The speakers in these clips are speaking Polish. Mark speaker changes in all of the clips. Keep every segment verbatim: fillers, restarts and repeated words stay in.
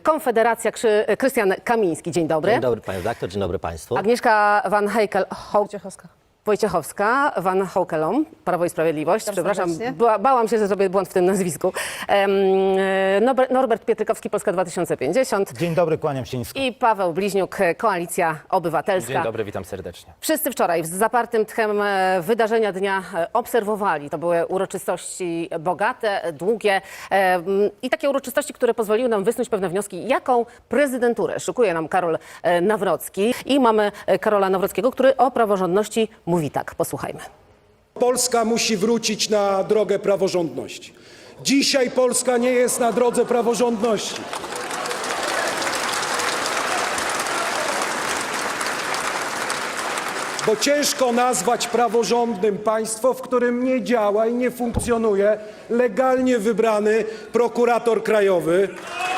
Speaker 1: Konfederacja, Krzy, Krystian Kamiński. Dzień dobry.
Speaker 2: Dzień dobry panie redaktor, dzień dobry państwu.
Speaker 1: Agnieszka Van Heikel, Wojciechowska. Wojciechowska, Van Houkelom, Prawo i Sprawiedliwość. Przepraszam, ba bałam się, że zrobię błąd w tym nazwisku. Um, Norbert Pietrykowski, Polska dwa tysiące pięćdziesiąt.
Speaker 3: Dzień dobry, kłaniam się nisko.
Speaker 1: I Paweł Bliźniuk, Koalicja Obywatelska.
Speaker 4: Dzień dobry, witam serdecznie.
Speaker 1: Wszyscy wczoraj z zapartym tchem wydarzenia dnia obserwowali. To były uroczystości bogate, długie i takie uroczystości, które pozwoliły nam wysnuć pewne wnioski, jaką prezydenturę szykuje nam Karol Nawrocki. I mamy Karola Nawrockiego, który o praworządności mówi tak. Posłuchajmy.
Speaker 5: Polska musi wrócić na drogę praworządności. Dzisiaj Polska nie jest na drodze praworządności. Bo ciężko nazwać praworządnym państwo, w którym nie działa i nie funkcjonuje legalnie wybrany prokurator krajowy.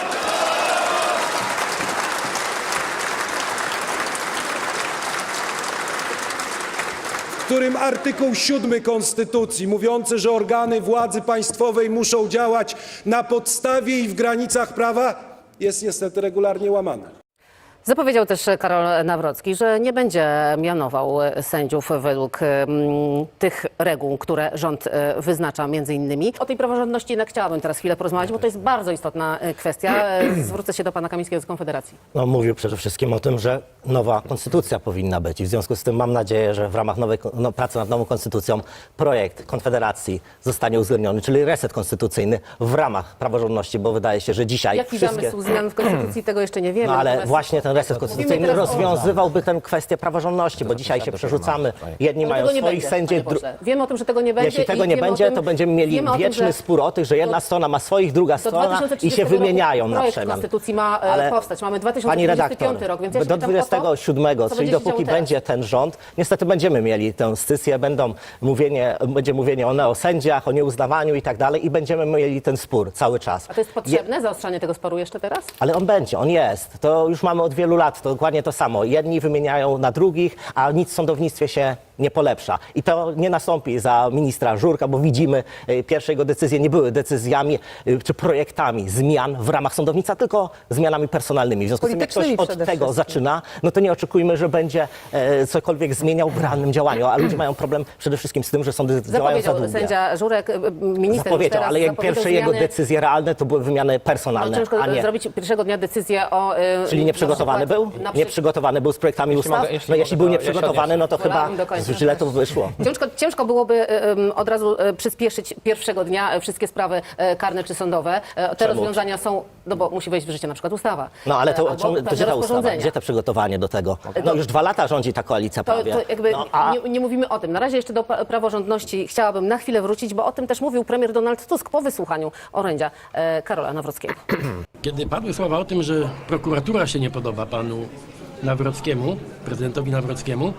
Speaker 5: W którym artykuł siódmy Konstytucji mówiący, że organy władzy państwowej muszą działać na podstawie i w granicach prawa, jest niestety regularnie łamany.
Speaker 1: Zapowiedział też Karol Nawrocki, że nie będzie mianował sędziów według um, tych reguł, które rząd um, wyznacza między innymi. O tej praworządności jednak chciałabym teraz chwilę porozmawiać, bo to jest bardzo istotna kwestia. Zwrócę się do pana Kamińskiego z Konfederacji.
Speaker 2: No, mówił przede wszystkim o tym, że nowa konstytucja powinna być i w związku z tym mam nadzieję, że w ramach nowej no, pracy nad nową konstytucją projekt Konfederacji zostanie uwzględniony, czyli reset konstytucyjny w ramach praworządności, bo wydaje się, że dzisiaj
Speaker 1: Jaki
Speaker 2: wszystkie...
Speaker 1: zamysł zmian w konstytucji, tego jeszcze nie wiemy.
Speaker 2: No, ale
Speaker 1: Natomiast...
Speaker 2: właśnie ten reset konstytucyjny rozwiązywałby tę kwestię praworządności, bo dzisiaj się przerzucamy. Jedni
Speaker 1: Ale
Speaker 2: mają
Speaker 1: tego nie
Speaker 2: swoich
Speaker 1: będzie,
Speaker 2: sędziów.
Speaker 1: panie pośle. Wiemy o tym, że tego nie będzie.
Speaker 2: Jeśli tego
Speaker 1: i
Speaker 2: nie
Speaker 1: wiemy
Speaker 2: będzie,
Speaker 1: o tym,
Speaker 2: to będziemy mieli
Speaker 1: wiemy o tym,
Speaker 2: wieczny
Speaker 1: że
Speaker 2: spór o tych, że jedna
Speaker 1: do,
Speaker 2: strona ma swoich, druga strona i się wymieniają na
Speaker 1: projekt
Speaker 2: przemian.
Speaker 1: konstytucji ma
Speaker 2: Ale
Speaker 1: powstać. Mamy dwa tysiące
Speaker 2: pani
Speaker 1: dwudziesty
Speaker 2: redaktor,
Speaker 1: piąty rok, więc ja się
Speaker 2: do
Speaker 1: pytam o
Speaker 2: dwudziestego siódmego,
Speaker 1: co
Speaker 2: czyli
Speaker 1: będzie się
Speaker 2: dopóki
Speaker 1: działo
Speaker 2: będzie
Speaker 1: teraz.
Speaker 2: ten rząd, niestety będziemy mieli tę scysję, będą mówienie, będzie mówienie o neosędziach, o nieuznawaniu i tak dalej i będziemy mieli ten spór cały czas.
Speaker 1: A to jest potrzebne, zaostrzanie tego sporu jeszcze teraz?
Speaker 2: Ale on będzie, on jest. To już mamy od wielu lat, to dokładnie to samo. Jedni wymieniają na drugich, a nic w sądownictwie się nie polepsza. I to nie nastąpi za ministra Żurka, bo widzimy, y, pierwsze jego decyzje nie były decyzjami y, czy projektami zmian w ramach sądownictwa, tylko zmianami personalnymi. W związku z tym, jak ktoś od tego zaczyna, no to nie oczekujmy, że będzie e, cokolwiek zmieniał w realnym działaniu. A ludzie mają problem przede wszystkim z tym, że sądy działają za długo.
Speaker 1: Sędzia Żurek, minister
Speaker 2: Zapowiedział, ale jak pierwsze
Speaker 1: zmiany...
Speaker 2: jego decyzje realne to były wymiany personalne,
Speaker 1: No, ciężko
Speaker 2: a nie...
Speaker 1: zrobić pierwszego dnia decyzję o... Yy,
Speaker 2: Czyli nieprzygotowany był?
Speaker 1: Przykład,
Speaker 2: Nieprzygotowany był z projektami
Speaker 4: jeśli
Speaker 2: ustaw?
Speaker 4: mogę, jeśli
Speaker 2: no jeśli
Speaker 4: mogę,
Speaker 2: był
Speaker 4: to ja się
Speaker 2: nieprzygotowany, no to chyba źle to wyszło.
Speaker 1: Ciężko, ciężko byłoby um, od razu um, przyspieszyć pierwszego dnia um, wszystkie sprawy um, karne czy sądowe. Um, te
Speaker 2: Czemu?
Speaker 1: rozwiązania są, no bo musi wejść w życie na przykład ustawa.
Speaker 2: No ale to,
Speaker 1: Albo
Speaker 2: czemu, to
Speaker 1: pewne
Speaker 2: gdzie ta ustawa?
Speaker 1: rozporządzenia.
Speaker 2: Gdzie to przygotowanie do tego? No już dwa lata rządzi ta koalicja
Speaker 1: To,
Speaker 2: prawie.
Speaker 1: to jakby
Speaker 2: No, a...
Speaker 1: nie, nie mówimy o tym. Na razie jeszcze do pa- praworządności chciałabym na chwilę wrócić, bo o tym też mówił premier Donald Tusk po wysłuchaniu orędzia e, Karola Nawrockiego.
Speaker 6: Kiedy padły słowa o tym, że prokuratura się nie podoba panu Nawrockiemu, prezydentowi Nawrockiemu,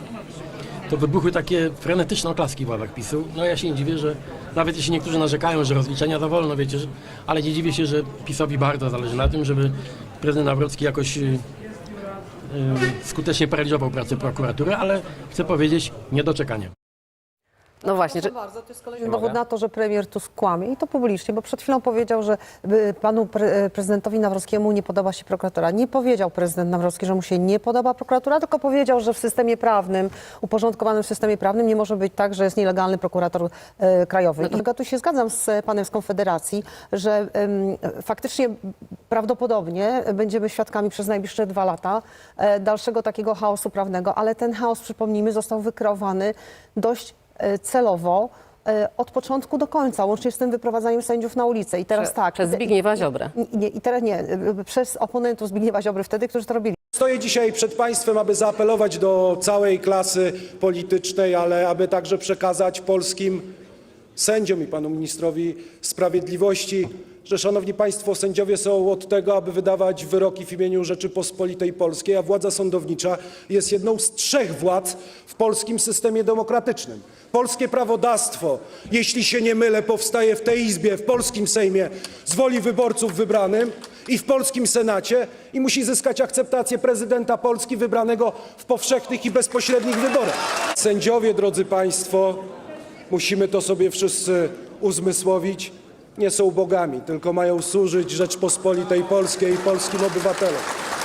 Speaker 6: to wybuchły takie frenetyczne oklaski w ławach PiSu. No ja się nie dziwię, że nawet jeśli niektórzy narzekają, że rozliczenia za wolno, wiecie, że, ale nie dziwię się, że PiSowi bardzo zależy na tym, żeby prezydent Nawrocki jakoś yy, yy, skutecznie paraliżował pracę prokuratury, ale chcę powiedzieć, niedoczekanie.
Speaker 1: No właśnie, że...
Speaker 7: Bardzo, to jest kolejny dowód na to, że premier Tusk kłamie i to publicznie, bo przed chwilą powiedział, że y, panu pre, prezydentowi Nawrockiemu nie podoba się prokuratura. Nie powiedział prezydent Nawrocki, że mu się nie podoba prokuratura, tylko powiedział, że w systemie prawnym, uporządkowanym systemie prawnym nie może być tak, że jest nielegalny prokurator y, krajowy. No to... I ja tu się zgadzam z panem z Konfederacji, że y, faktycznie prawdopodobnie będziemy świadkami przez najbliższe dwa lata y, dalszego takiego chaosu prawnego, ale ten chaos, przypomnijmy, został wykreowany dość celowo od początku do końca, łącznie z tym wyprowadzaniem sędziów na ulicę. I teraz
Speaker 1: Prze,
Speaker 7: tak.
Speaker 1: Przez Zbigniewa Ziobrę.
Speaker 7: Nie, I teraz nie, przez oponentów Zbigniewa Ziobry wtedy, którzy to robili.
Speaker 5: Stoję dzisiaj przed państwem, aby zaapelować do całej klasy politycznej, ale aby także przekazać polskim sędziom i panu ministrowi sprawiedliwości, że, szanowni państwo, sędziowie są od tego, aby wydawać wyroki w imieniu Rzeczypospolitej Polskiej, a władza sądownicza jest jedną z trzech władz w polskim systemie demokratycznym. Polskie prawodawstwo, jeśli się nie mylę, powstaje w tej Izbie, w polskim Sejmie z woli wyborców wybranym i w polskim Senacie i musi zyskać akceptację prezydenta Polski wybranego w powszechnych i bezpośrednich wyborach. Sędziowie, drodzy państwo, musimy to sobie wszyscy uzmysłowić, nie są bogami, tylko mają służyć Rzeczpospolitej Polskiej i polskim obywatelom.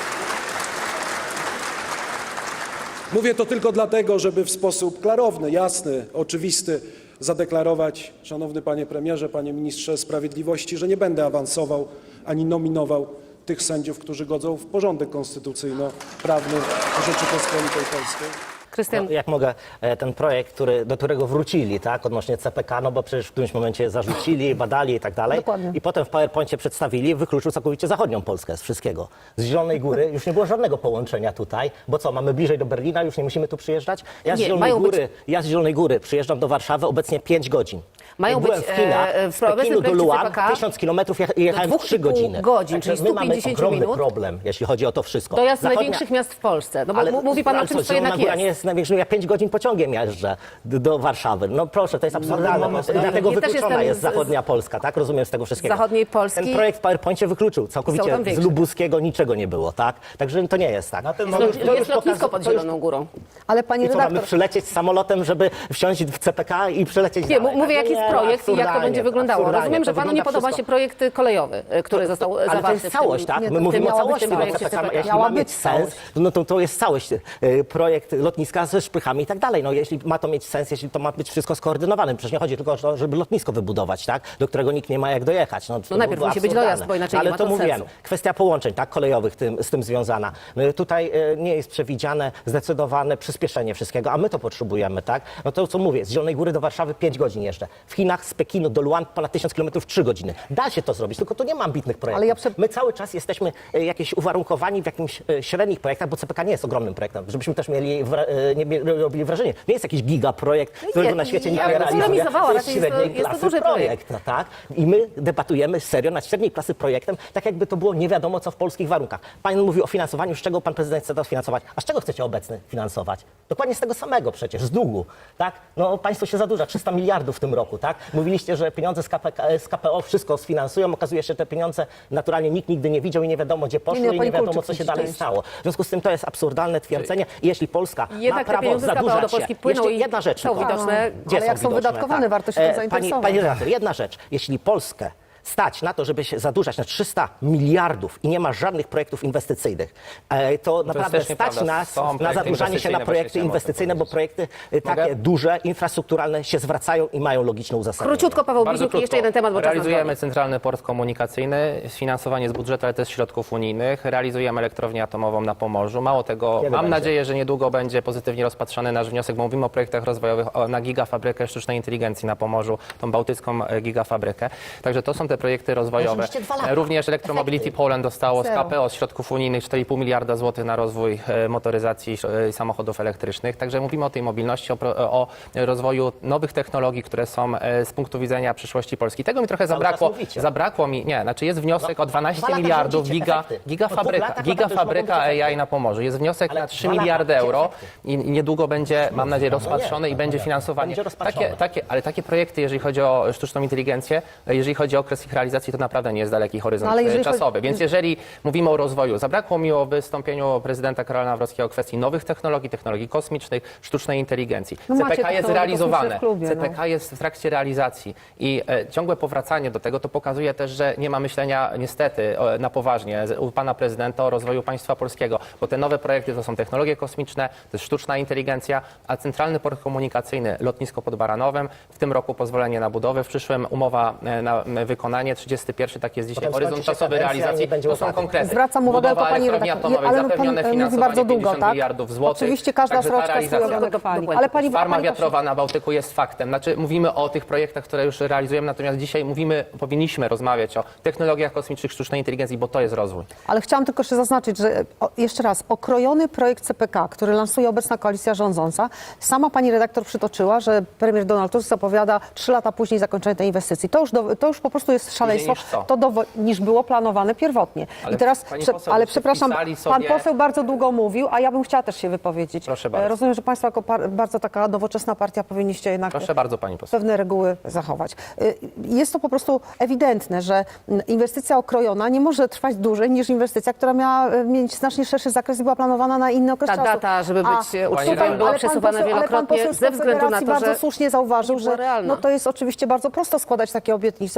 Speaker 5: Mówię to tylko dlatego, żeby w sposób klarowny, jasny, oczywisty zadeklarować, szanowny panie premierze, panie ministrze sprawiedliwości, że nie będę awansował ani nominował tych sędziów, którzy godzą w porządek konstytucyjno-prawny Rzeczypospolitej Polskiej.
Speaker 1: Krystian,
Speaker 2: No, jak mogę, e, ten projekt, który, do którego wrócili, tak, odnośnie C P K, no bo przecież w którymś momencie zarzucili, badali i tak dalej.
Speaker 7: Dokładnie.
Speaker 2: I potem w PowerPoincie przedstawili, wykluczył całkowicie zachodnią Polskę z wszystkiego. Z Zielonej Góry już nie było żadnego połączenia tutaj, bo co, mamy bliżej do Berlina, już nie musimy tu przyjeżdżać? Ja z
Speaker 1: Nie,
Speaker 2: Zielonej
Speaker 1: mają być-
Speaker 2: Góry, ja z Zielonej Góry przyjeżdżam do Warszawy obecnie pięć godzin.
Speaker 1: Mają
Speaker 2: Jak byłem
Speaker 1: być,
Speaker 2: w Chinach,
Speaker 1: e,
Speaker 2: z
Speaker 1: w obecnym
Speaker 2: Pekinu do
Speaker 1: projekcie
Speaker 2: Luan,
Speaker 1: C P K
Speaker 2: tysiąc kilometrów je- jechałem
Speaker 1: dwóch
Speaker 2: w
Speaker 1: i
Speaker 2: trzy
Speaker 1: pół
Speaker 2: godziny.
Speaker 1: godzin,
Speaker 2: Także
Speaker 1: czyli
Speaker 2: my mamy
Speaker 1: sto pięćdziesiąt
Speaker 2: ogromny
Speaker 1: minut.
Speaker 2: problem, jeśli chodzi o to wszystko.
Speaker 1: dojazd
Speaker 2: Zachodnia-
Speaker 1: największych miast w Polsce. No bo
Speaker 2: ale,
Speaker 1: m- mówi pan o
Speaker 2: ale
Speaker 1: czymś,
Speaker 2: co,
Speaker 1: co jednak
Speaker 2: Zielona Góra
Speaker 1: jest.
Speaker 2: nie jest największą, ja pięć godzin pociągiem jeżdżę do, do Warszawy. No proszę, to jest absurdalne.
Speaker 5: mamy-
Speaker 2: No, dlatego
Speaker 1: Ja też
Speaker 2: wykluczona
Speaker 1: jestem
Speaker 2: jest
Speaker 1: z-
Speaker 2: zachodnia Polska, tak? Rozumiem z tego wszystkiego.
Speaker 1: Zachodniej Polski.
Speaker 2: Ten projekt w PowerPoincie wykluczył
Speaker 1: Są
Speaker 2: całkowicie
Speaker 1: tam
Speaker 2: z
Speaker 1: większe.
Speaker 2: Lubuskiego niczego nie było, tak? Także to nie jest tak.
Speaker 1: No,
Speaker 2: To już- to już
Speaker 1: jest lotnisko
Speaker 2: pokaz-
Speaker 1: pod
Speaker 2: to już-
Speaker 1: Zieloną Górą.
Speaker 7: Ale pani
Speaker 2: I co, mamy
Speaker 7: redaktor,
Speaker 2: przylecieć samolotem, żeby wsiąść w C P K i przylecieć
Speaker 1: Nie,
Speaker 2: dalej?
Speaker 1: mówię,
Speaker 2: Tak?
Speaker 1: jaki
Speaker 2: Nie,
Speaker 1: jest projekt i jak to
Speaker 2: absurdalnie,
Speaker 1: będzie wyglądało.
Speaker 2: absurdalnie.
Speaker 1: Rozumiem,
Speaker 2: To
Speaker 1: że panu nie
Speaker 2: wygląda
Speaker 1: podoba
Speaker 2: wszystko-
Speaker 1: się projekt kolejowy, y, który został
Speaker 2: Ale
Speaker 1: zawarty
Speaker 2: to jest
Speaker 1: w tym-
Speaker 2: całość, tak?
Speaker 7: nie,
Speaker 2: My
Speaker 7: to
Speaker 2: mówimy o
Speaker 7: miała być
Speaker 2: całości, bo
Speaker 7: całość.
Speaker 2: C P K, jeśli
Speaker 7: Miała
Speaker 2: ma
Speaker 7: być
Speaker 2: mieć sens,
Speaker 7: całość.
Speaker 2: no to, to jest całość. e, Projekt lotniska ze szprychami i tak dalej. No jeśli ma to mieć sens, jeśli to ma być wszystko skoordynowane. Przecież nie chodzi tylko o to, żeby lotnisko wybudować, tak? Do którego nikt nie ma jak dojechać. No, to
Speaker 1: najpierw
Speaker 2: było
Speaker 1: musi być
Speaker 2: absurdalne.
Speaker 1: dojazd, bo inaczej
Speaker 2: Ale
Speaker 1: nie ma
Speaker 2: to
Speaker 1: to
Speaker 2: mówiłem.
Speaker 1: sensu.
Speaker 2: Kwestia połączeń, tak? Kolejowych tym, z tym związana. No, tutaj e, nie jest przewidziane zdecydowane przyspieszenie wszystkiego, a my to potrzebujemy, tak? No to co mówię, z Zielonej Góry do Warszawy pięć godzin jeszcze. W Chinach z Pekinu do Luan ponad tysiąc kilometrów trzy godziny. Da się to zrobić, tylko to nie ma ambitnych projektów.
Speaker 7: Ale ja prze-
Speaker 2: My cały czas jesteśmy e, jakieś uwarunkowani w jakimś e, średnich projektach, bo C P K nie jest ogromnym projektem, żebyśmy też mieli wra- e, nie mie- robili wrażenie. Nie jest jakiś gigaprojekt, którego na świecie
Speaker 1: ja
Speaker 2: nikt nie
Speaker 1: bym
Speaker 2: realizuje.
Speaker 1: polemizowała,
Speaker 2: To jest
Speaker 1: raczej jest to-
Speaker 2: średniej
Speaker 1: jest to
Speaker 2: klasy
Speaker 1: duży projekt.
Speaker 2: no tak? I my debatujemy serio nad średniej klasy projektem, tak jakby to było nie wiadomo co w polskich warunkach. Pan mówi o finansowaniu, z czego pan prezydent chce to finansować, a z czego chcecie obecny finansować? Dokładnie z tego samego przecież, z długu, tak? No państwo się zadłuża, trzysta miliardów w tym roku, tak? Mówiliście, że pieniądze z, K P K, z K P O wszystko sfinansują, okazuje się, że te pieniądze naturalnie nikt nigdy nie widział i nie wiadomo gdzie poszły
Speaker 7: Nie, nie,
Speaker 2: i
Speaker 7: pani
Speaker 2: nie wiadomo
Speaker 7: Kulczyk
Speaker 2: co się
Speaker 7: musi
Speaker 2: dalej
Speaker 7: część.
Speaker 2: stało. W związku z tym to jest absurdalne twierdzenie i jeśli Polska
Speaker 1: Jednak
Speaker 2: ma
Speaker 1: te
Speaker 2: prawo
Speaker 1: pieniądze z K P O do
Speaker 2: zadłużać się,
Speaker 1: Polski płyną
Speaker 2: jeszcze
Speaker 1: i
Speaker 2: jedna rzecz
Speaker 1: są
Speaker 2: tylko.
Speaker 1: widoczne.
Speaker 2: Gdzie
Speaker 7: Ale jak są
Speaker 2: widoczne?
Speaker 7: wydatkowane, warto się tym
Speaker 2: E, pani,
Speaker 7: zainteresować.
Speaker 2: Pani redaktor, jedna rzecz. Jeśli Polskę stać na to, żeby się zadłużać na trzysta miliardów i nie ma żadnych projektów inwestycyjnych, e, to naprawdę
Speaker 3: też
Speaker 2: stać
Speaker 3: nieprawda.
Speaker 2: nas
Speaker 3: Są
Speaker 2: na
Speaker 3: projekty
Speaker 2: zadłużanie się na
Speaker 3: inwestycyjne,
Speaker 2: projekty
Speaker 3: właśnie chciałem o tym
Speaker 2: inwestycyjne, bo
Speaker 3: powiedzieć.
Speaker 2: projekty e, takie
Speaker 3: Mogę?
Speaker 2: duże, infrastrukturalne się zwracają i mają logiczne uzasadnienie.
Speaker 1: Króciutko, Paweł
Speaker 3: Bardzo
Speaker 1: Bliźniuk, i
Speaker 3: krótko.
Speaker 1: jeszcze jeden temat, bo czas nas
Speaker 3: Realizujemy
Speaker 1: goni.
Speaker 3: centralny port komunikacyjny, sfinansowanie z budżetu, ale też z środków unijnych. Realizujemy elektrownię atomową na Pomorzu. Mało tego,
Speaker 2: Kiedy
Speaker 3: mam
Speaker 2: będzie?
Speaker 3: nadzieję, że niedługo będzie pozytywnie rozpatrzony nasz wniosek, bo mówimy o projektach rozwojowych o, na gigafabrykę sztucznej inteligencji na Pomorzu, tą bałtycką e, gigafabrykę. Także to są te projekty rozwojowe.
Speaker 2: mieliście dwa lata.
Speaker 3: E, Również Electromobility Poland dostało z
Speaker 7: Zero.
Speaker 3: K P O, z środków unijnych cztery i pół miliarda złotych na rozwój e, motoryzacji e, samochodów elektrycznych. Także mówimy o tej mobilności, o, pro- o rozwoju nowych technologii, które są e, z punktu widzenia przyszłości Polski. Tego mi trochę
Speaker 2: Cały
Speaker 3: zabrakło.
Speaker 2: czas mówicie.
Speaker 3: Zabrakło mi, nie, znaczy jest wniosek
Speaker 2: No,
Speaker 3: o dwanaście
Speaker 2: dwa lata
Speaker 3: miliardów
Speaker 2: rządzicie,
Speaker 3: giga,
Speaker 2: efekty. Po dwóch
Speaker 3: gigafabryka,
Speaker 2: latach naprawdę już
Speaker 3: gigafabryka
Speaker 2: mogą być
Speaker 3: A I na Pomorzu. Jest wniosek
Speaker 2: Ale
Speaker 3: na trzy
Speaker 2: dwa lata,
Speaker 3: miliardy
Speaker 2: gdzie
Speaker 3: euro
Speaker 2: efekty?
Speaker 3: i i niedługo będzie, mam nadzieję,
Speaker 2: No nie,
Speaker 3: rozpatrzony i
Speaker 2: no
Speaker 3: będzie
Speaker 2: nie.
Speaker 3: finansowanie.
Speaker 2: Będzie rozpatrzone.
Speaker 3: Takie, takie, ale takie projekty, jeżeli chodzi o sztuczną inteligencję, jeżeli chodzi o okres ich realizacji, to naprawdę nie jest daleki horyzont
Speaker 7: No, ale
Speaker 3: e,
Speaker 7: jeżeli
Speaker 3: czasowy.
Speaker 7: chodzi-
Speaker 3: Więc jeżeli mówimy o rozwoju, zabrakło mi o wystąpieniu prezydenta Karola Nawrockiego o kwestii nowych technologii, technologii kosmicznych, sztucznej inteligencji.
Speaker 7: No macie
Speaker 3: C P K jest
Speaker 7: technologie
Speaker 3: realizowane.
Speaker 7: kosmiczne w klubie,
Speaker 3: C P K jest w trakcie realizacji i e, ciągłe powracanie do tego to pokazuje też, że nie ma myślenia niestety o, na poważnie z- u pana prezydenta o rozwoju państwa polskiego, bo te nowe projekty to są technologie kosmiczne, to jest sztuczna inteligencja, a centralny port komunikacyjny, lotnisko pod Baranowem, w tym roku pozwolenie na budowę, w przyszłym umowa e, na m, wykonanie, trzydziesty pierwszy, tak jest dzisiaj
Speaker 2: Potem
Speaker 3: horyzont
Speaker 2: skończy się
Speaker 3: czasowy
Speaker 2: kadencja i
Speaker 3: realizacji,
Speaker 2: nie będzie
Speaker 3: to są
Speaker 2: łopaty.
Speaker 3: konkrety.
Speaker 7: Zwracam uwagę
Speaker 3: Budowa
Speaker 7: tylko pani
Speaker 3: elektrowni
Speaker 7: redaktor,
Speaker 3: atomowej,
Speaker 7: ale pan
Speaker 3: zapewnione
Speaker 7: e, mówi
Speaker 3: finansowanie
Speaker 7: bardzo długo,
Speaker 3: pięćdziesiąt
Speaker 7: tak?
Speaker 3: miliardów złotych.
Speaker 7: Oczywiście każda
Speaker 3: Także ta
Speaker 7: sroczka swój
Speaker 3: realizacja-
Speaker 7: ogonek pali.
Speaker 1: Dokładnie.
Speaker 7: Ale pani
Speaker 3: Farma
Speaker 7: pani
Speaker 3: wiatrowa na Bałtyku jest faktem. Znaczy mówimy o tych projektach, które już realizujemy, natomiast dzisiaj mówimy, powinniśmy rozmawiać o technologiach kosmicznych, sztucznej inteligencji, bo to jest rozwój.
Speaker 7: Ale chciałam tylko jeszcze zaznaczyć, że o, jeszcze raz, okrojony projekt C P K, który lansuje obecna koalicja rządząca, sama pani redaktor przytoczyła, że premier Donald Tusk zapowiada trzy lata później zakończenie tej inwestycji. To już, do, to już po prostu jest szaleństwo,
Speaker 3: niż co?
Speaker 7: to dowo- niż było planowane pierwotnie.
Speaker 3: Ale
Speaker 7: I teraz,
Speaker 3: pani
Speaker 7: prze,
Speaker 3: poseł,
Speaker 7: ale
Speaker 3: byście
Speaker 7: przepraszam,
Speaker 3: wpisali
Speaker 7: pan
Speaker 3: sobie-
Speaker 7: poseł bardzo długo mówił, a ja bym chciała też się wypowiedzieć.
Speaker 3: Proszę bardzo.
Speaker 7: E, Rozumiem, że państwo jako par, bardzo taka nowoczesna partia powinniście jednak
Speaker 3: Proszę bardzo, pani poseł.
Speaker 7: pewne reguły zachować. Y, Jest to po prostu ewidentne, że mm, inwestycja okrojona nie może trwać dłużej niż inwestycja, która miała y, mieć znacznie szerszy zakres i była planowana na inny okres
Speaker 1: Ta
Speaker 7: czasu.
Speaker 1: data, żeby być
Speaker 7: A,
Speaker 1: uczciwym,
Speaker 7: tutaj-
Speaker 1: była
Speaker 7: ale pan
Speaker 1: przesuwana
Speaker 7: poseł- ale pan
Speaker 1: wielokrotnie
Speaker 7: poseł z
Speaker 1: ze względu na
Speaker 7: Konfederacji
Speaker 1: to,
Speaker 7: bardzo
Speaker 1: że
Speaker 7: słusznie zauważył,
Speaker 1: nie była
Speaker 7: że
Speaker 1: realna.
Speaker 7: no to jest oczywiście bardzo prosto składać takie obietnice, no bo państwa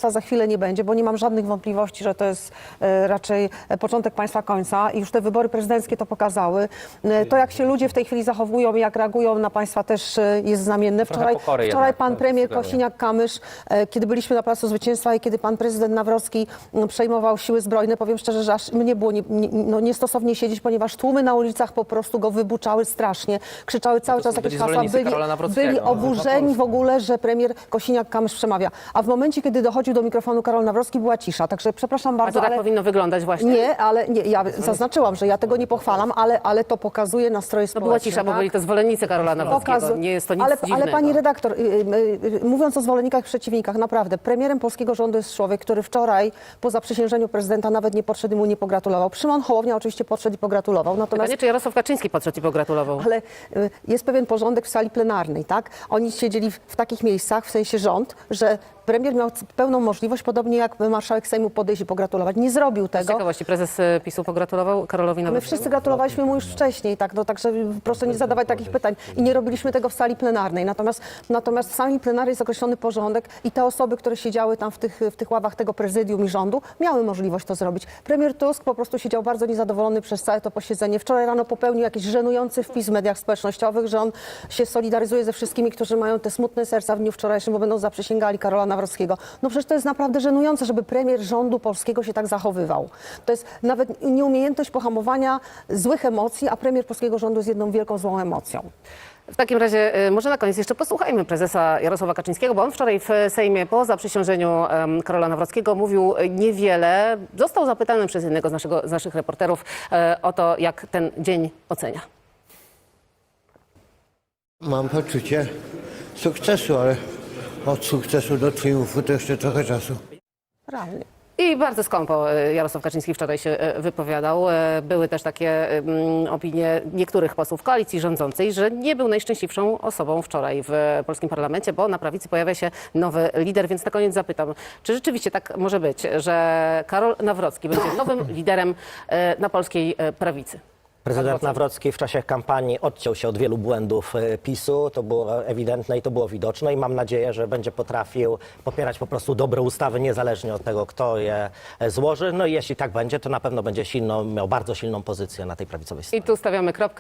Speaker 7: państwa za chwilę nie będzie, bo nie mam żadnych wątpliwości, że to jest e, raczej e, początek państwa końca i już te wybory prezydenckie to pokazały. E, to, jak się ludzie w tej chwili zachowują i jak reagują na państwa, też e, jest znamienne. Wczoraj,
Speaker 3: pokory
Speaker 7: wczoraj
Speaker 3: jednak,
Speaker 7: pan
Speaker 3: to
Speaker 7: premier
Speaker 3: sugeruje.
Speaker 7: Kosiniak-Kamysz, e, kiedy byliśmy na Placu Zwycięstwa i kiedy pan prezydent Nawrocki m, przejmował siły zbrojne, powiem szczerze, że aż mnie było nie, nie, no, niestosownie siedzieć, ponieważ tłumy na ulicach po prostu go wybuczały strasznie, krzyczały cały
Speaker 3: to
Speaker 7: czas
Speaker 3: są
Speaker 7: jakieś
Speaker 3: byli
Speaker 7: hasła,
Speaker 3: zwolennicy
Speaker 7: byli,
Speaker 3: Karola Nawrockiego.
Speaker 7: byli
Speaker 3: No,
Speaker 7: oburzeni w ogóle, że premier Kosiniak-Kamysz przemawia. A w momencie, kiedy dochodził do mikrofonu Karol Nawrocki, była cisza. Także przepraszam
Speaker 1: A
Speaker 7: bardzo,
Speaker 1: to tak
Speaker 7: ale...
Speaker 1: powinno wyglądać właśnie?
Speaker 7: Nie, ale nie, ja zaznaczyłam, że ja tego nie pochwalam, ale, ale to pokazuje nastroje
Speaker 1: To
Speaker 7: społeczne.
Speaker 1: była cisza, bo
Speaker 7: tak?
Speaker 1: byli to zwolennicy Karola Nawrockiego.
Speaker 7: Pokazu-
Speaker 1: Nie jest to nic
Speaker 7: ale,
Speaker 1: dziwnego.
Speaker 7: ale pani redaktor, y, y, y, mówiąc o zwolennikach, przeciwnikach, naprawdę, premierem polskiego rządu jest człowiek, który wczoraj po zaprzysiężeniu prezydenta nawet nie podszedł i mu nie pogratulował. Szymon Hołownia oczywiście podszedł i pogratulował. Natomiast
Speaker 1: Pytanie, czy Jarosław Kaczyński podszedł i pogratulował?
Speaker 7: ale y, jest pewien porządek w sali plenarnej, tak? Oni siedzieli w, w takich miejscach, w sensie rząd, że premier miał c- pełną możliwość, podobnie jak marszałek Sejmu, podejść i pogratulować. Nie zrobił
Speaker 1: Z
Speaker 7: tego.
Speaker 1: ciekawości, prezes e, PiSu pogratulował Karolowi
Speaker 7: My
Speaker 1: Nawrockiemu?
Speaker 7: wszyscy gratulowaliśmy mu już wcześniej, tak? No, także proszę nie zadawać takich pytań. I nie robiliśmy tego w sali plenarnej. Natomiast, natomiast w sali plenarnej jest określony porządek i te osoby, które siedziały tam w tych, w tych ławach tego prezydium i rządu, miały możliwość to zrobić. Premier Tusk po prostu siedział bardzo niezadowolony przez całe to posiedzenie. Wczoraj rano popełnił jakiś żenujący wpis w mediach społecznościowych, że on się solidaryzuje ze wszystkimi, którzy mają te smutne serca w dniu wczorajszym, bo będą zaprzysięgali Karola Nawrockiego. No przecież to jest naprawdę żenujące, żeby premier rządu polskiego się tak zachowywał. To jest nawet nieumiejętność pohamowania złych emocji, a premier polskiego rządu jest jedną wielką złą emocją.
Speaker 1: W takim razie y, może na koniec jeszcze posłuchajmy prezesa Jarosława Kaczyńskiego, bo on wczoraj w Sejmie po zaprzysiężeniu em, Karola Nawrockiego mówił y, niewiele. Został zapytany przez jednego z, naszego, z naszych reporterów y, o to, jak ten dzień ocenia.
Speaker 4: Mam poczucie sukcesu, ale od sukcesu do triumfu to jeszcze trochę czasu.
Speaker 7: Realnie.
Speaker 1: I bardzo skąpo y, Jarosław Kaczyński wczoraj się y, wypowiadał. Y, Były też takie ym, opinie niektórych posłów koalicji rządzącej, że nie był najszczęśliwszą osobą wczoraj w polskim parlamencie, bo na prawicy pojawia się nowy lider. Więc na koniec zapytam, czy rzeczywiście tak może być, że Karol Nawrocki będzie nowym liderem y, na polskiej y, prawicy?
Speaker 2: Prezydent Nawrocki w czasie kampanii odciął się od wielu błędów e, PiSu, to było ewidentne i to było widoczne i mam nadzieję, że będzie potrafił popierać po prostu dobre ustawy, niezależnie od tego, kto je e, złoży. No i jeśli tak będzie, to na pewno będzie silną, miał bardzo silną pozycję na tej prawicowej scenie.
Speaker 1: I tu stawiamy kropkę.